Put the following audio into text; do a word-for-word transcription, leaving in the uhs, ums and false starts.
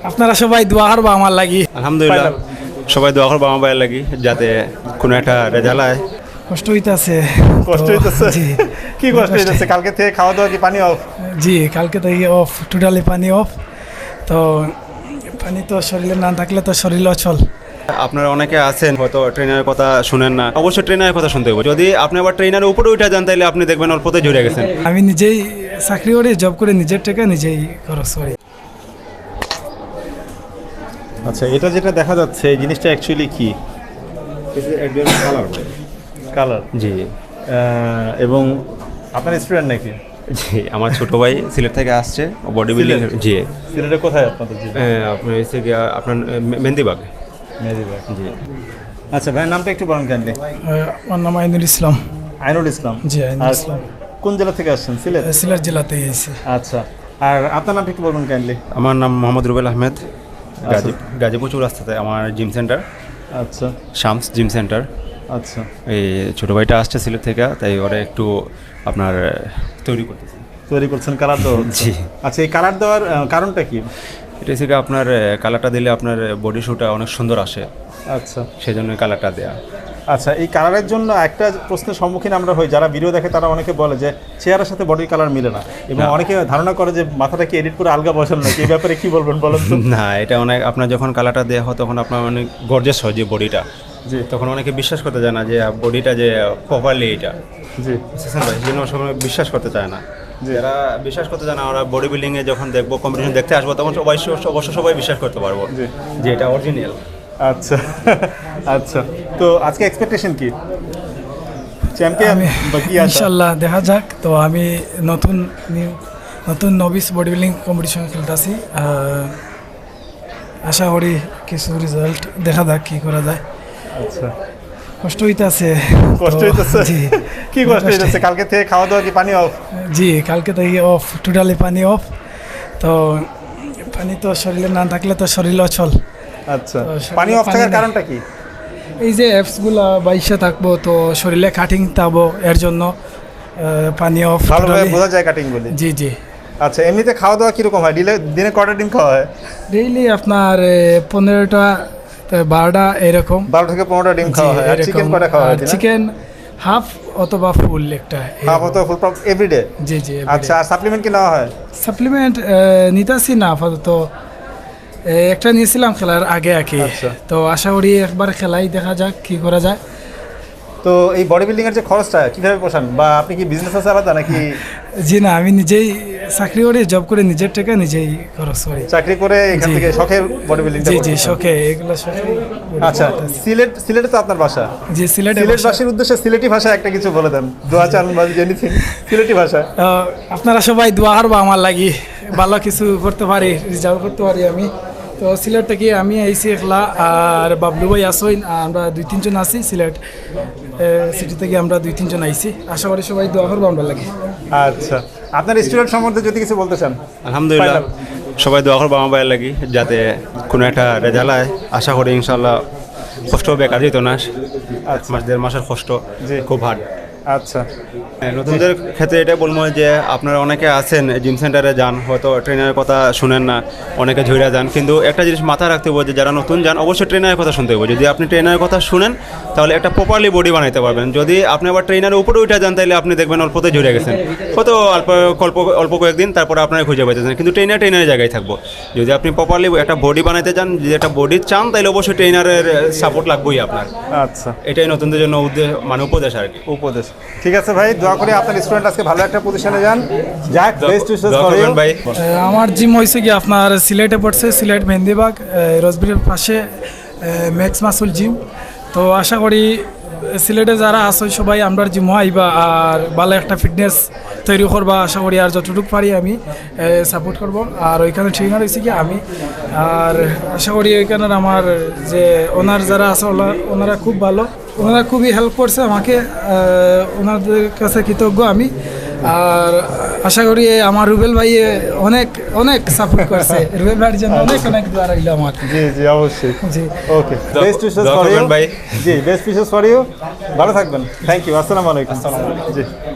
আপনারা সবাই দোয়া করবা আমার লাগি। আলহামদুলিল্লাহ, সবাই দোয়া করবো আমার ভাইয়ের লাগি যাতে কোনো একটা রেজাল্ট হয়। কষ্ট হইতাছে, কষ্ট তো- হইতেছে? জি কি কষ্ট হইতেছে? কালকে থেকে খাওয়া দাওয়া কি পানি অফ? জি কালকে থেকে অফ, টোটালি পানি অফ। তো পানি তো শরীরে না থাকলে তো শরীর অচল। আপনারা অনেকে আছেন হয়তো ট্রেনারের কথা শুনেন না, অবশ্যই ট্রেনারের কথা শুনতে হবে। যদি আপনি আবার ট্রেনারের উপরে উঠে যান তাহলে আপনি দেখবেন অল্পতে জড়িয়ে গেছেন। আমি নিজেই চাকরি করি, জব করে নিজের টাকা নিজেই খরচ করি। আচ্ছা, এটা যেটা দেখা যাচ্ছে এই জিনিসটা অ্যাকচুয়ালি কি? কালার। জি এবং আপনার স্টুডেন্ট নাকি? জি, আমার ছোট ভাই সিলেট থেকে আসছে বডি বিল্ডিং। সিলেট? জি, সিলেটে কোথায় আপনাদের জি? এ, আপনার হচ্ছে গিয়া আপনার এ, মেহেন্দিবাগ। মেহেদিবাগ। জি, আচ্ছা, ভাইয়ের নামটা একটু বলেন কাইন্ডলি। আহ, আমার নাম আইনুল ইসলাম। আইনুল ইসলাম। জি, আইনুল আর ইসলাম। কোন জেলা থেকে আসছেন? সিলেট। সিলেট জেলাতে এসেছি। আচ্ছা, আর আপনার নামটা একটু বলবেন কাইন্ডলি। আমার নাম মোহাম্মদ রুবেল আহমেদ, গাজী গাজীপুর চৌরাস্তাতে আমার জিম সেন্টার, আচ্ছা শামস জিম সেন্টার। আচ্ছা এই ছোটো ভাইটা আসছে সিলেট থেকে, তাই ওরা একটু আপনার তৈরি করতেছে। তৈরি করছেন কালার দেওয়া হচ্ছে। জি। আচ্ছা, এই কালার দেওয়ার আহ, কারণটা কি? এটা হচ্ছে গিয়ে আপনার কালারটা দিলে আপনার বডি শুটা অনেক সুন্দর আসে, আচ্ছা সেই জন্য কালারটা দেয়া। আচ্ছা, এই কালারের জন্য একটা প্রশ্নের সম্মুখীন আমরা হই, যারা ভিডিও দেখে তারা অনেকে বলে যে চেহারার সাথে বডির কালার মিলে না, এবং না। অনেকে ধারণা করে যে মাথাটা কি এডিট করে আলগা বসান নাকি। এই ব্যাপারে কি বলবেন বলেন তো? না, এটা অনেক আপনার যখন কালারটা দেওয়া হয় তখন আপনার অনেক গর্জেস হয় যে বডিটা, জি তখন অনেকে বিশ্বাস করতে চায় না যে বডিটা যে প্রপারলি এটা। জি বুঝছেন ভাই, সেই জন্য সবাই বিশ্বাস করতে চায় না। জি। যারা বিশ্বাস করতে চায় না, ওরা বডি বিল্ডিংয়ে যখন দেখবো, কম্পিটিশন দেখতে আসবো, তখন সবাই অবশ্য সবাই বিশ্বাস করতে পারবো জি। যে এটা অরিজিনাল। আচ্ছা আচ্ছা, তো আজকে এক্সপেকটেশন কি? চ্যাম্পিয়ন আমি বা কি আশা? ইনশাল্লাহ দেখা যাক। তো আমি নতুন নিউ নতুন নবিস বডি বিল্ডিং কম্পিটিশন খেলতেছি। আশা করি কিছু রেজাল্ট দেখা যাক কি করা যায়। আচ্ছা, কষ্ট হইতাছে, কষ্ট তো- হইতেছে? জি কি কষ্ট হইতেছে? কালকে থেকে খাওয়া দাওয়া কি পানি অফ? জি কালকে থেকে অফ, টোটালি পানি অফ। তো পানি তো শরীরে না থাকলে তো শরীর অচল। আচ্ছা, তো শরীরে পানি অফ পানি থাকার নেই। কারণটা কি? এই যে অ্যাপসগুলো বাইশে থাকবো, তো শরীরে কাটিং থাকবো, এর জন্য আহ, পানি অফ। ভালোভাবে বোঝা যায় কাটিং বলে। জি জি আচ্ছা, এমনিতে খাওয়া দাওয়া কিরকম হয়? দিলে দিনে কটা ডিম খাওয়া হয়? ডেইলি আপনার পনেরোটা বারোটা এরকম। বারো থেকে পনেরোটা ডিম খাওয়া হয়। আর চিকেন কটা খাওয়া হয়? চিকেন হাফ অথবা ফুল একটা। হাফ অথবা ফুল পাপ এভরিডে? জি জি। আচ্ছা, আর সাপ্লিমেন্ট কি নেওয়া হয়? সাপ্লিমেন্ট নিতেছি না আপাতত, এ, একটা নিয়েছিলাম খেলার আগে আগে। আচ্ছা। তো আশা করি একবার খেলাই দেখা যাক কি করা যায়। তো এই বডি বিল্ডিং এর যে খরচটা কিভাবে পোষান, বা আপনি কি বিজনেস আছে আলাদা নাকি? জি না, আমি নিজেই চাকরি করি, জব করে নিজের টাকা নিজেই খরচ করি। চাকরি করে এখান জি। থেকে শখে বডি বিল্ডিং? জি জি শখে, এগুলো শখে। আচ্ছা, সিলেট সিলেটে তো আপনার বাসা। জি সিলেটে বাসা। সিলেটবাসীর উদ্দেশ্যে সিলেটি ভাষায় একটা কিছু বলে দেন, দোয়া চান বা এনিথিং সিলেটি ভাষায়। আহ, আপনারা সবাই দোয়া করবা আমার লাগি, ভালো কিছু করতে পারি, রিজাল্ট করতে পারি আমি। তো সিলেট থেকে আমি আইসি একলা, আর বাবলু ভাই আসইন, আর আমরা দুই তিনজন আছি সিলেট সিটি থেকে, আমরা দুই তিনজন আইসি। আশা করি সবাই দোয়া করবো আমরা লাগি। আচ্ছা, আপনার স্টুডেন্ট সম্বন্ধে যদি কিছু বলতে চান। আলহামদুলিল্লাহ, সবাই দোয়া করবো আমার ভাইয়ের লাগি যাতে কোনো একটা রেজাল্ট হয়। আশা করি ইনশাল্লাহ কষ্ট বেকার যেত না। এক মাস দেড় মাসের কষ্ট জি। খুব হার্ড। আচ্ছা নতুনদের ক্ষেত্রে এটা বলবো যে আপনারা অনেকে আছেন জিম সেন্টারে যান, হয়তো ট্রেনারের কথা শুনেন না, অনেকে ঝইরা যান, কিন্তু একটা জিনিস মাথায় রাখতে হবে যে যারা নতুন যান অবশ্যই ট্রেনারের কথা শুনতে হবে। যদি আপনি ট্রেনারের কথা শুনেন তাহলে একটা প্রপারলি বডি বানাইতে পারবেন। যদি আপনি আবার ট্রেনারের উপরে উঠে যান তাহলে আপনি দেখবেন অল্পতে ঝরে গেছেন, হয়তো অল্প অল্প অল্প কয়েকদিন, তারপরে আপনারা খুঁজে পাইতেছেন, কিন্তু ট্রেনার ট্রেনারের জায়গায় থাকবো। যদি আপনি প্রপারলি একটা বডি বানাইতে চান, যদি একটা বডি চান, তাহলে অবশ্যই ট্রেনারের সাপোর্ট লাগবেই আপনার। আচ্ছা, এটাই নতুনদের জন্য উদ্দেশ্য, মানে উপদেশ আর কি। উপদেশ। ঠিক আছে ভাই, দোয়া করি আপনার স্টুডেন্ট আজকে ভালো একটা পজিশনে যান। যাক, বেস্ট উইশেস দোয়া ফর ইউ করবেন ভাই। আহ, আমার জিম হয়েছে কি আপনার সিলেটে পড়ছে, সিলেট মেহেন্দিবাগ রসবিরের পাশে ম্যাক্স মাসুল জিম। তো আশা করি সিলেটে যারা আছে সবাই আমরা জিম আইবা, আর ভালো একটা ফিটনেস তৈরি করবা। আশা করি আর যতটুকু পারি আমি সাপোর্ট করব। আর ওইখানে ট্রেনার হয়েছে কি আমি, আর আশা করি ওইখানে আমার যে ওনার যারা আছে ওলা- ওনারা খুব ভালো, ওনারা খুবই হেল্প করছে আমাকে, আহ, ওনাদের কাছে কৃতজ্ঞ আমি। আর আশা করি আমার রুবেল ভাই অনেক অনেক সাপোর্ট করছে, রুবেল ভাইয়ের জন্য অনেক অনেক দোয়া রইল আমার। জি জি অবশ্যই। জি ওকে, দোয়া- বেস্ট উইশেস দোয়া ফর ইউ করবেন ভাই। জি, বেস্ট উইশেস ফর ইউ। ভালো থাকবেন। Thank you. আসসালামু আলাইকুম। জি।